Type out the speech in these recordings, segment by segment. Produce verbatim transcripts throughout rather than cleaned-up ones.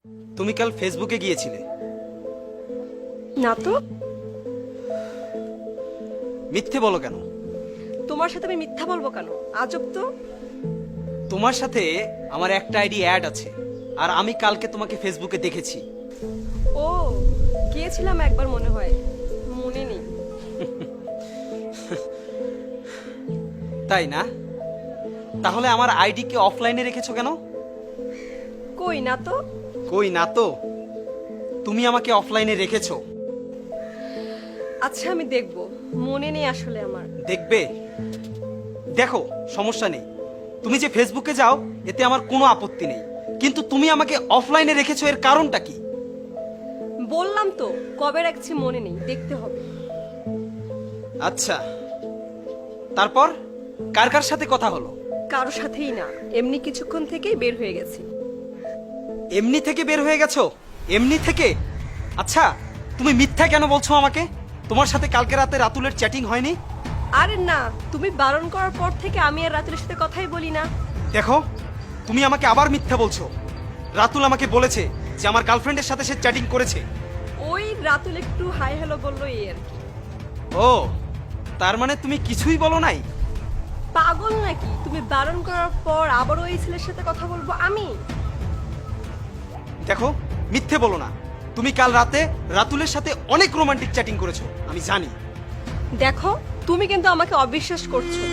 তুমি কাল ফেসবুকে গিয়েছিলে না তো। মিথ্যে বলো কেন? তোমার সাথে আমি মিথ্যা বলবো কেন? আজব তো। তোমার সাথে আমার একটা আইডি অ্যাড আছে, আর আমি কালকে তোমাকে ফেসবুকে দেখেছি। ও, গিয়েছিলাম একবার মনে হয়, মনে নেই। তাই না? তাহলে আমার আইডি কে অফলাইনে রেখেছো কেন? কই না তো। কই না তো? তুমি আমাকে অফলাইনে রেখেছো। আচ্ছা আমি দেখব, মনে নেই আসলে আমার। দেখবে? দেখো, সমস্যা নেই, তুমি যে ফেসবুকে যাও এতে আমার কোনো আপত্তি নেই, কিন্তু তুমি আমাকে অফলাইনে রেখেছো, এর কারণটা কি? বললাম তো কবে রাখছি মনে নেই, দেখতে হবে। আচ্ছা, তারপর কার কার সাথে কথা হলো? কারোর সাথেই না, এমনি কিছুক্ষণ থেকেই বের হয়ে গেছি। এমনি থেকে বের হয়ে গেছো? এমনি থেকে? আচ্ছা, তুমি মিথ্যা কেন বলছো আমাকে? তোমার সাথে কালকে রাতে রাতুলের চ্যাটিং হয়নি? আরে না, তুমি বারণ করার পর থেকে আমি আর রাতুলের সাথে কথাই বলি না। দেখো, তুমি আমাকে আবার মিথ্যা বলছো। রাতুল আমাকে বলেছে যে আমার গার্লফ্রেন্ডের সাথে সে চ্যাটিং করেছে। ওই রাতুল একটু হাই হ্যালো বললো, এই আর কি। ও, তার মানে তুমি কিছুই বলো নাই? পাগল নাকি? তুমি বারণ করার পর আবারও এই ছেলের সাথে কথা বলবো আমি? দেখো, মিথ্যে বলো না। তুমি কাল রাতে রাতুলের সাথে অনেক রোমান্টিক চ্যাটিং করেছো, আমি জানি। দেখো, তুমি কিন্তু আমাকে অবিশ্বাস করছো।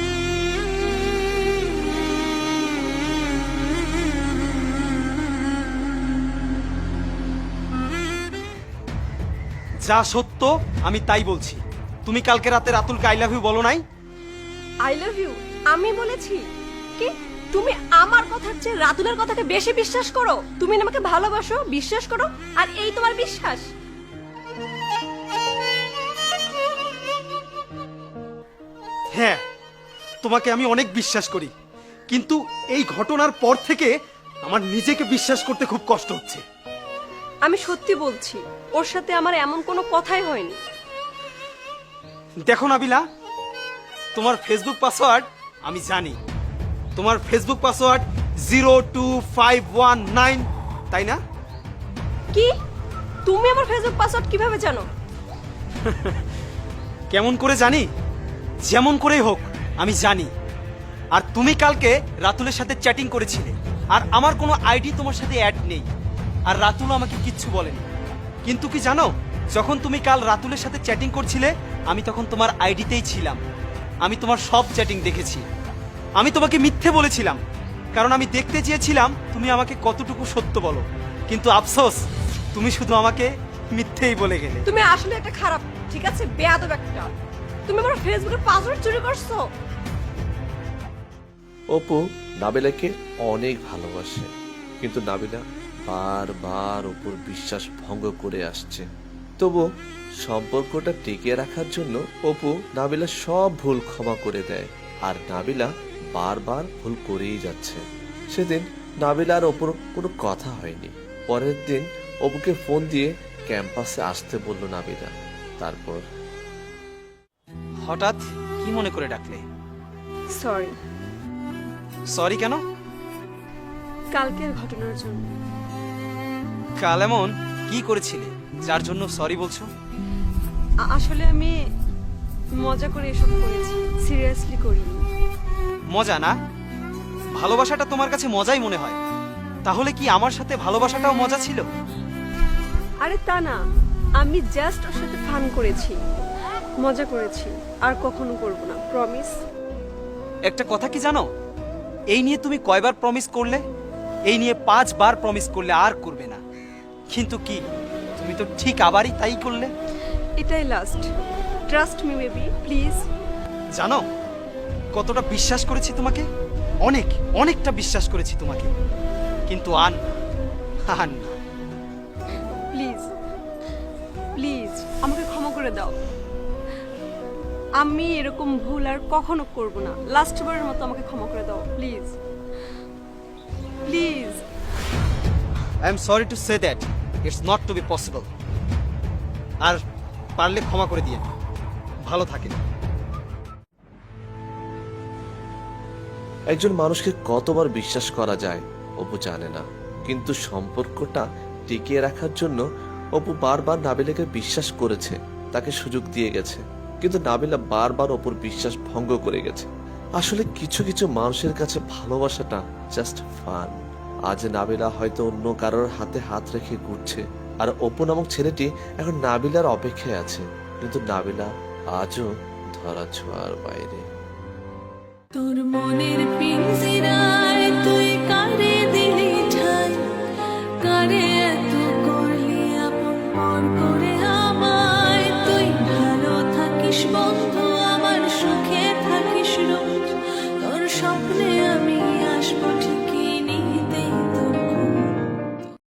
যা সত্য আমি তাই বলছি। তুমি কালকে রাতে রাতুলকে আই লাভ ইউ বলো নাই? আই লাভ ইউ আমি বলেছি? কি তুমি আমার কথার চেয়ে রাতুলের কথাকে বেশি বিশ্বাস করো? তুমি না আমাকে ভালোবাসো, বিশ্বাস করো, আর এই তোমার বিশ্বাস? হ্যাঁ, তোমাকে আমি অনেক বিশ্বাস করি, কিন্তু এই ঘটনার পর থেকে আমার নিজেকে বিশ্বাস করতে খুব কষ্ট হচ্ছে। আমি সত্যি বলছি, ওর সাথে আমার এমন কোনো কথাই হয়নি। দেখো নাবিলা, তোমার ফেসবুক পাসওয়ার্ড আমি জানি। তোমার Facebook password zero two five one nine, তাই না? কি? তুমি আমার ফেসবুক পাসওয়ার্ড কিভাবে জানো? কেমন করে জানি? যেমন করেই হোক আমি জানি। আর তুমি কালকে রাতুলের সাথে চ্যাটিং করেছিলে, আর আমার কোনো আইডি তোমার সাথে অ্যাড নেই, আর রাতুল আমাকে কিচ্ছু বলেনি। কিন্তু কি জানো, যখন তুমি কাল রাতুলের সাথে চ্যাটিং করছিলে আমি তখন তোমার আইডিতেই ছিলাম। আমি তোমার সব চ্যাটিং দেখেছি। আমি তোমাকে মিথ্যে বলেছিলাম, কারণ আমি দেখতে চেয়েছিলাম তুমি আমাকে কতটুকু সত্য বলো, কিন্তু আফসোস তুমি শুধু আমাকে মিথ্যেই বলে গেলে। তুমি আসলে একটা খারাপ, ঠিক আছে, বেয়াদব একটা। তুমি আমার ফেসবুকের পাসওয়ার্ড চুরি করছো। অপু নাবিলাকে অনেক ভালোবাসে, কিন্তু নাবিলা বারবার অপুর বিশ্বাস ভঙ্গ করে আসছে। তবু সম্পর্কটা টিকিয়ে রাখার জন্য অপু নাবিলা সব ভুল ক্ষমা করে দেয়, আর নাবিলা বারবার ভুল করেই যাচ্ছে। সেদিন নাবিলা আর অপুর কোনো কথা হয়নি। পরের দিন অপুকে ফোন দিয়ে ক্যাম্পাসে আসতে বলল নাবিলা। তারপর হঠাৎ কি মনে করে ডাকলে? সরি। সরি কেন? কালকের ঘটনার জন্য। কাল এমন কি করেছিলে যার জন্য সরি বলছো? আ- আসলে আমি মজা করে এসব করেছি, সিরিয়াসলি করিনি। মজা না? ভালোবাসাটা তোমার কাছে মজাই মনে হয়, তাহলে কি আমার সাথে ভালোবাসাটাও মজা ছিল? আরে তা না, আমি জাস্ট ওর সাথে ফান করেছি, মজা করেছি, আর কখনো করব না, প্রমিস। একটা কথা কি জানো, এই নিয়ে তুমি কয়বার প্রমিস করলে? এই নিয়ে পাঁচবার প্রমিস করলে আর করবে না, কিন্তু কি তুমি তো ঠিক আবারই তাই করলে। এটাই last, trust me baby, please. জানো কতটা বিশ্বাস করেছি তোমাকে? অনেক অনেকটা বিশ্বাস করেছি তোমাকে, কিন্তু আন আন না। প্লিজ প্লিজ আমাকে ক্ষমা করে দাও। আমি এরকম ভুল আর কখনো করব না। লাস্ট বারের মতো আমাকে ক্ষমা করে দাও, please please. I am sorry to say that it's not to be possible. আর পারলে ক্ষমা করে দিয়ে ভালো থাকেন। একজন মানুষকে কতবার বিশ্বাস করা যায় অপু জানে না, কিন্তু সম্পর্কটা টিকিয়ে রাখার জন্য অপু বারবার নাবিলাকে বিশ্বাস করেছে, তাকে সুযোগ দিয়ে গেছে, কিন্তু নাবিলা বারবার অপুর বিশ্বাস ভঙ্গ করে গেছে। আসলে কিছু কিছু মানুষের কাছে ভালোবাসাটা জাস্ট ফান। আজ নাবিলা হয়তো অন্য কারোর হাতে হাত রেখে ঘুরছে, আর অপু নামক ছেলেটি এখন নাবিলার অপেক্ষায় আছে, কিন্তু নাবিলা আজও ধরা ছোঁয়ার বাইরে। তোর মনের পিঞ্জিরায় তুই